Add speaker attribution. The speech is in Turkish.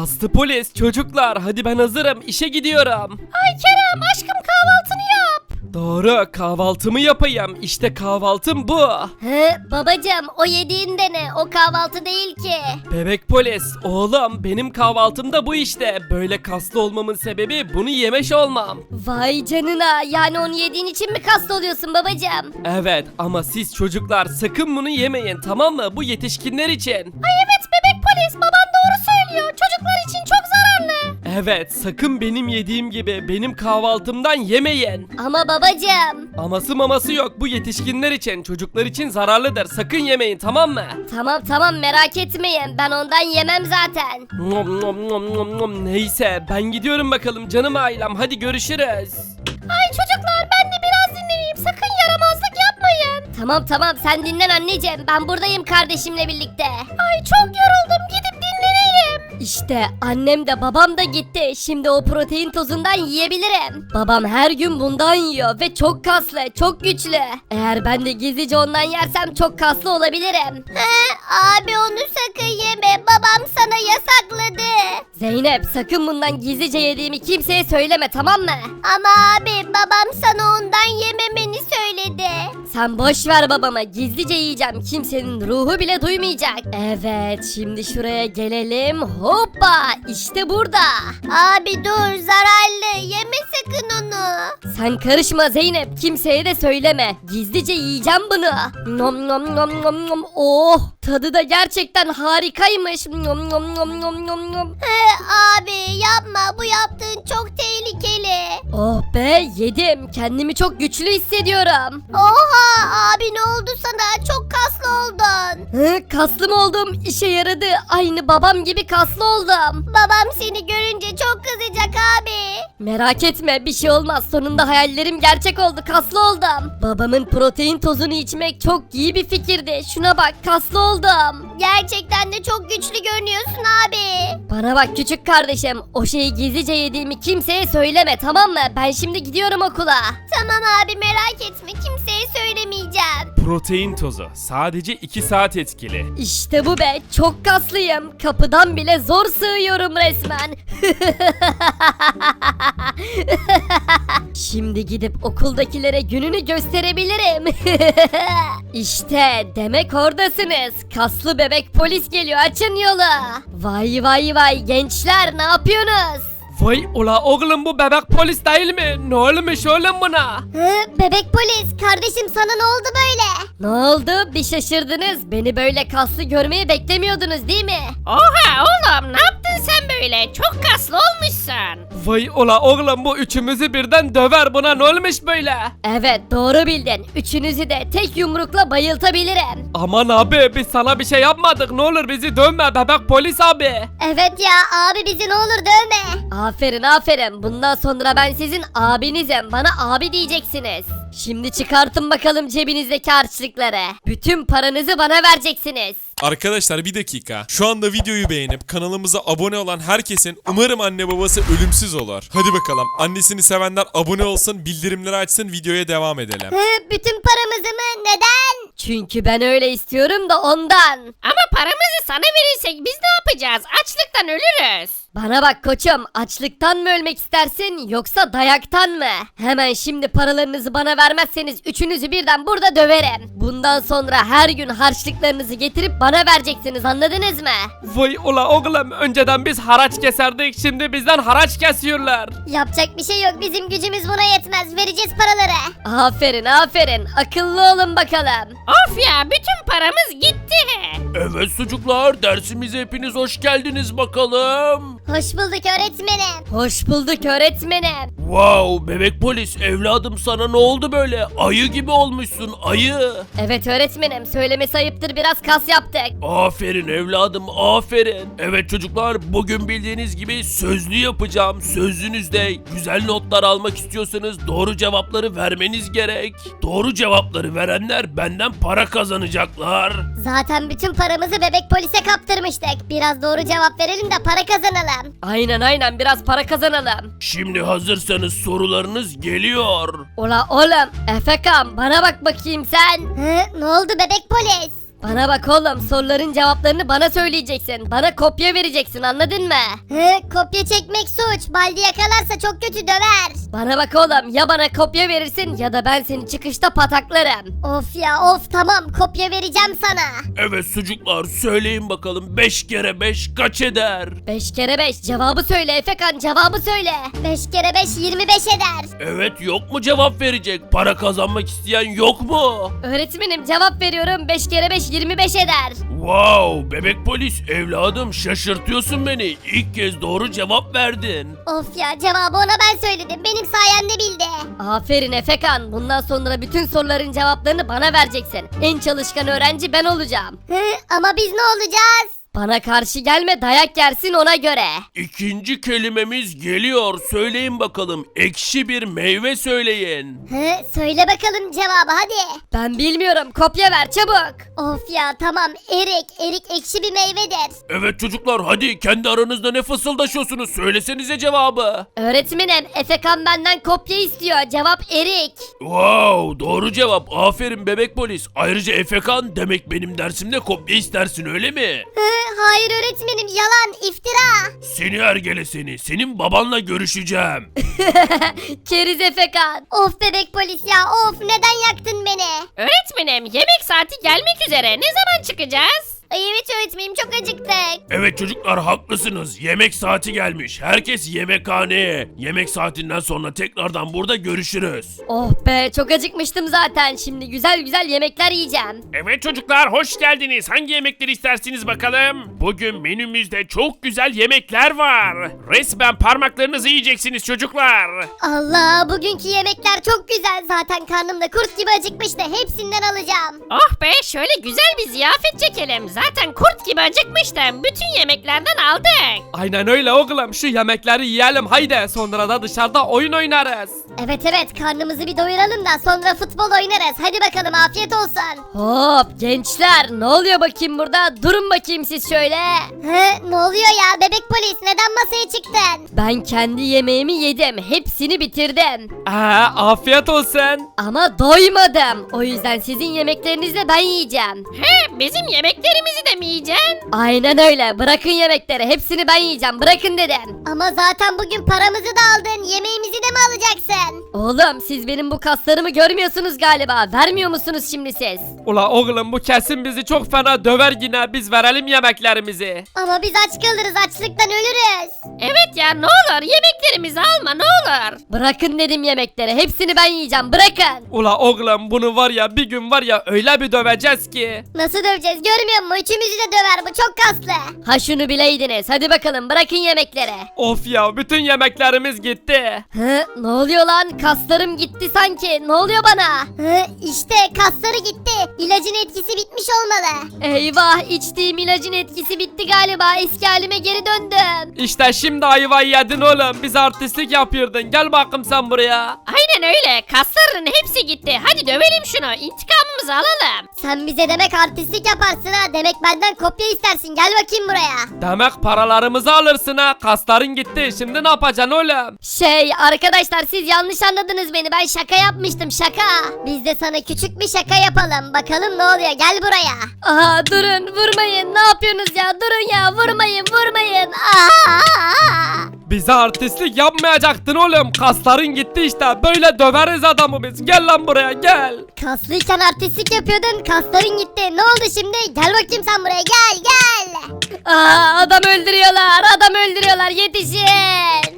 Speaker 1: Aslı polis, çocuklar hadi ben hazırım, işe gidiyorum.
Speaker 2: Ay Kerem aşkım kahvaltını yap.
Speaker 1: Doğru, kahvaltımı yapayım. İşte kahvaltım bu.
Speaker 2: Babacım o yediğin de ne? O kahvaltı değil ki.
Speaker 1: Bebek polis, oğlum benim kahvaltım da bu işte. Böyle kaslı olmamın sebebi bunu yemiş olmam.
Speaker 2: Vay canına, yani onu yediğin için mi kaslı oluyorsun babacım?
Speaker 1: Evet ama siz çocuklar sakın bunu yemeyin, tamam mı? Bu yetişkinler için.
Speaker 2: Ay evet bebek polis, baban doğru söylüyor. Çocuklar için çok zararlı.
Speaker 1: Evet, sakın benim yediğim gibi benim kahvaltımdan yemeyin.
Speaker 2: Ama babacım.
Speaker 1: Aması maması yok, bu yetişkinler için, çocuklar için zararlıdır. Sakın yemeyin, tamam mı?
Speaker 2: Tamam merak etmeyin, ben ondan yemem zaten.
Speaker 1: Nom nom nom nom nom. Neyse ben gidiyorum bakalım canım ailem, hadi görüşürüz.
Speaker 2: Ay çocuklar ben de biraz dinleneyim, sakın yaramazlık yapmayın. Tamam sen dinlen anneciğim, ben buradayım kardeşimle birlikte. Ay çok yoruldum, gidip dinleneyim. İşte annem de babam da gitti, şimdi o protein tozundan yiyebilirim. Babam her gün bundan yiyor ve çok kaslı, çok güçlü. Eğer ben de gizlice ondan yersem çok kaslı olabilirim. Abi onu sakın yeme, babam sana yasakladı. Zeynep sakın bundan gizlice yediğimi kimseye söyleme, tamam mı? Ama abi babam sana ondan yememeni söyledi. Sen boş ver babama, gizlice yiyeceğim, kimsenin ruhu bile duymayacak. Evet şimdi şuraya gelelim, hoppa işte burada. Abi dur, zararlı, yeme sakın onu. Sen karışma Zeynep, kimseye de söyleme, gizlice yiyeceğim bunu. Nom nom nom nom nom, oh tadı da gerçekten harikaymış. Nom nom nom nom nom nom. Abi yapma, bu yaptığın çok tehlikeli. Oh be, yedim, kendimi çok güçlü hissediyorum. Oha abi, ne oldu sana, çok kaslı oldun. Kaslı mı oldum, işe yaradı, aynı babam gibi kaslı oldum. Babam seni görünce çok kızacak abi. Merak etme, bir şey olmaz, sonunda hayallerim gerçek oldu, kaslı oldum. Babamın protein tozunu içmek çok iyi bir fikirdi, şuna bak, kaslı oldum. Gerçekten de çok güçlü görünüyorsun abi. Bana bak küçük kardeşim, o şeyi gizlice yediğimi kimseye söyleme, tamam mı? Ben şimdi gidiyorum okula. Tamam abi, merak etme, kimseye söylemeyeceğim.
Speaker 1: Protein tozu sadece 2 saat etkili.
Speaker 2: İşte bu be, çok kaslıyım, kapıdan bile zor sığıyorum resmen. Şimdi gidip okuldakilere gününü gösterebilirim. İşte demek oradasınız. Kaslı bebek polis geliyor, açın yolu. Vay gençler, ne yapıyorsunuz?
Speaker 1: Vay ula oğlum, bu bebek polis değil mi? Ne olmuş oğlum buna?
Speaker 2: Bebek polis, kardeşim sana ne oldu böyle? Ne oldu? Bir şaşırdınız. Beni böyle kaslı görmeyi beklemiyordunuz değil mi?
Speaker 3: Oha oğlum, ne yaptın sen böyle? Çok kaslı olmuşsun.
Speaker 1: Vay ula oğlum, bu üçümüzü birden döver, buna ne olmuş böyle?
Speaker 2: Evet doğru bildin. Üçünüzü de tek yumrukla bayıltabilirim.
Speaker 1: Aman abi, biz sana bir şey yapmadık, ne olur bizi dövme bebek polis abi.
Speaker 2: Evet ya abi, bizi ne olur dövme. Aferin, bundan sonra ben sizin abinizim, bana abi diyeceksiniz. Şimdi çıkartın bakalım cebinizdeki harçlıkları. Bütün paranızı bana vereceksiniz.
Speaker 4: Arkadaşlar bir dakika. Şu anda videoyu beğenip kanalımıza abone olan herkesin umarım anne babası ölümsüz olur. Hadi bakalım. Annesini sevenler abone olsun, bildirimleri açsın, videoya devam edelim.
Speaker 2: Bütün paramızı mı? Neden? Çünkü ben öyle istiyorum da ondan.
Speaker 3: Ama paramızı sana verirsek biz ne yapacağız? Açlıktan ölürüz.
Speaker 2: Bana bak koçum, açlıktan mı ölmek istersin yoksa dayaktan mı? Hemen şimdi paralarınızı bana vermezseniz üçünüzü birden burada döverim. Bundan sonra her gün harçlıklarınızı getirip bana vereceksiniz, anladınız mı?
Speaker 1: Vay ula oğlum, önceden biz haraç keserdik, şimdi bizden haraç kesiyorlar.
Speaker 2: Yapacak bir şey yok, bizim gücümüz buna yetmez, vereceğiz paraları. Aferin, akıllı olun bakalım.
Speaker 3: Of ya, bütün paramız gitti.
Speaker 1: Evet çocuklar, dersimize hepiniz hoş geldiniz bakalım.
Speaker 2: Hoş bulduk öğretmenim. Hoş bulduk öğretmenim.
Speaker 1: Wow, bebek polis evladım, sana ne oldu böyle? Ayı gibi olmuşsun, ayı.
Speaker 2: Evet öğretmenim, söylemesi ayıptır, biraz kas yaptık.
Speaker 1: Aferin evladım, aferin. Evet çocuklar, bugün bildiğiniz gibi sözlü yapacağım. Sözlünüzde güzel notlar almak istiyorsanız doğru cevapları vermeniz gerek. Doğru cevapları verenler benden para kazanacaklar.
Speaker 2: Zaten bütün paramızı bebek polise kaptırmıştık. Biraz doğru cevap verelim de para kazanalım. Aynen, biraz para kazanalım.
Speaker 1: Şimdi hazırsanız sorularınız geliyor.
Speaker 2: Ola oğlum, Efekan bana bak bakayım sen. Ne oldu bebek polis? Bana bak oğlum, soruların cevaplarını bana söyleyeceksin. Bana kopya vereceksin, anladın mı?
Speaker 5: Kopya çekmek suç. Baldi yakalarsa çok kötü döver.
Speaker 2: Bana bak oğlum, ya bana kopya verirsin ya da ben seni çıkışta pataklarım.
Speaker 5: Of ya of, tamam kopya vereceğim sana.
Speaker 1: Evet çocuklar söyleyin bakalım 5 kere 5 kaç eder?
Speaker 2: 5 kere 5 cevabı söyle Efekan, cevabı söyle.
Speaker 5: 5 kere 5 25 eder.
Speaker 1: Evet yok mu cevap verecek? Para kazanmak isteyen yok mu?
Speaker 2: Öğretmenim cevap veriyorum, 5 kere 5 25 eder.
Speaker 1: Wow bebek polis evladım şaşırtıyorsun beni. İlk kez doğru cevap verdin.
Speaker 5: Of ya, cevabı ona ben söyledim. Benim sayemde bildi.
Speaker 2: Aferin Efekan, bundan sonra bütün soruların cevaplarını bana vereceksin. En çalışkan öğrenci ben olacağım.
Speaker 5: Ama biz ne olacağız?
Speaker 2: Bana karşı gelme, dayak yersin ona göre.
Speaker 1: İkinci kelimemiz geliyor. Söyleyin bakalım. Ekşi bir meyve söyleyin.
Speaker 5: Söyle bakalım cevabı hadi.
Speaker 2: Ben bilmiyorum, kopya ver çabuk.
Speaker 5: Of ya tamam, erik. Erik ekşi bir meyvedir.
Speaker 1: Evet çocuklar hadi kendi aranızda ne fısıldaşıyorsunuz? Söylesenize cevabı.
Speaker 2: Öğretmenim, Efekan benden kopya istiyor, cevap erik.
Speaker 1: Wow doğru cevap. Aferin bebek polis. Ayrıca Efekan demek benim dersimde kopya istersin öyle mi?
Speaker 5: Hayır öğretmenim, yalan, iftira.
Speaker 1: Seni ergele seni. Senin babanla görüşeceğim.
Speaker 2: Keriz Efekan.
Speaker 5: Of bebek polis ya, of, neden yaktın beni?
Speaker 3: Öğretmenim yemek saati gelmek üzere. Ne zaman çıkacağız?
Speaker 5: Ay evet öğretmenim, çok acıktık.
Speaker 1: Evet çocuklar haklısınız. Yemek saati gelmiş. Herkes yemekhaneye. Yemek saatinden sonra tekrardan burada görüşürüz.
Speaker 2: Oh be, çok acıkmıştım zaten, şimdi güzel güzel yemekler yiyeceğim.
Speaker 1: Evet çocuklar hoş geldiniz. Hangi yemekleri istersiniz bakalım? Bugün menümüzde çok güzel yemekler var. Resmen parmaklarınızı yiyeceksiniz çocuklar.
Speaker 5: Allah, bugünkü yemekler çok güzel. Zaten karnım da kurt gibi acıkmıştı. Hepsinden alacağım.
Speaker 3: Oh be, şöyle güzel bir ziyafet çekelim. Zaten kurt gibi acıkmıştım. Bütün yemeklerden aldık.
Speaker 6: Aynen öyle oğlum, şu yemekleri yiyelim haydi, sonra da dışarıda oyun oynarız.
Speaker 5: Evet karnımızı bir doyuralım da sonra futbol oynarız. Hadi bakalım, afiyet olsun.
Speaker 2: Hop gençler, ne oluyor bakayım burada? Durun bakayım siz şöyle.
Speaker 5: Ne oluyor ya bebek polis, neden masaya çıktın?
Speaker 2: Ben kendi yemeğimi yedim, hepsini bitirdim.
Speaker 6: Afiyet olsun.
Speaker 2: Ama doymadım. O yüzden sizin yemeklerinizi de ben yiyeceğim.
Speaker 3: Bizim yemeklerimizi de mi yiyeceksin?
Speaker 2: Aynen öyle, bırakın yemekleri, hepsini ben yiyeceğim, bırakın dedim.
Speaker 5: Ama zaten bugün paramızı da aldın. Yemeğimizi de mi alacaksın?
Speaker 2: Oğlum siz benim bu kaslarımı görmüyorsunuz galiba, vermiyor musunuz şimdi siz?
Speaker 6: Ula oğlum, bu kesin bizi çok fena döver yine, biz verelim yemeklerimizi.
Speaker 5: Ama biz aç kalırız, açlıktan ölürüz.
Speaker 3: Evet ya, ne olur yemeklerimizi alma ne olur.
Speaker 2: Bırakın dedim yemekleri, hepsini ben yiyeceğim, bırakın.
Speaker 6: Ula oğlum, bunu var ya bir gün var ya öyle bir döveceğiz ki.
Speaker 5: Nasıl döveceğiz, görmüyor musun? Üçümüzü de döver, bu çok kaslı.
Speaker 2: Ha şunu bileydiniz, hadi bakalım bırakın yemekleri.
Speaker 6: Of ya, bütün yemeklerimiz gitti.
Speaker 2: Ne oluyor lan, kaslarım gitti sanki, ne oluyor bana?
Speaker 5: İşte kasları gitti. İlacın etkisi bitmiş olmalı.
Speaker 2: Eyvah, içtiğim ilacın etkisi bitti galiba, eski halime geri döndüm.
Speaker 6: İşte şimdi ayvayı yedin oğlum, biz artistlik yapıyordun, gel bakayım sen buraya.
Speaker 3: Aynen öyle, kasların hepsi gitti. Hadi dövelim şunu, intikamımızı alalım.
Speaker 5: Sen bize demek artistlik yaparsın ha. Demek benden kopya istersin. Gel bakayım buraya.
Speaker 6: Demek paralarımızı alırsın ha, kasların gitti, şimdi ne yapacaksın oğlum?
Speaker 2: Arkadaşlar siz yanlış anladınız beni, ben şaka yapmıştım, şaka.
Speaker 5: Biz de sana küçük bir şaka yapalım. Bakalım ne oluyor. Gel buraya.
Speaker 2: Aha durun, vurmayın, ne yapıyorsunuz ya, durun ya, vurmayın.
Speaker 6: Bize artistlik yapmayacaktın oğlum, kasların gitti işte, böyle döveriz adamı biz, gel lan buraya gel.
Speaker 5: Kaslıyken artistlik yapıyordun. Kasların gitti. Ne oldu şimdi? Gel bakayım sen buraya. Gel.
Speaker 2: Aa, adam öldürüyorlar, yetişin.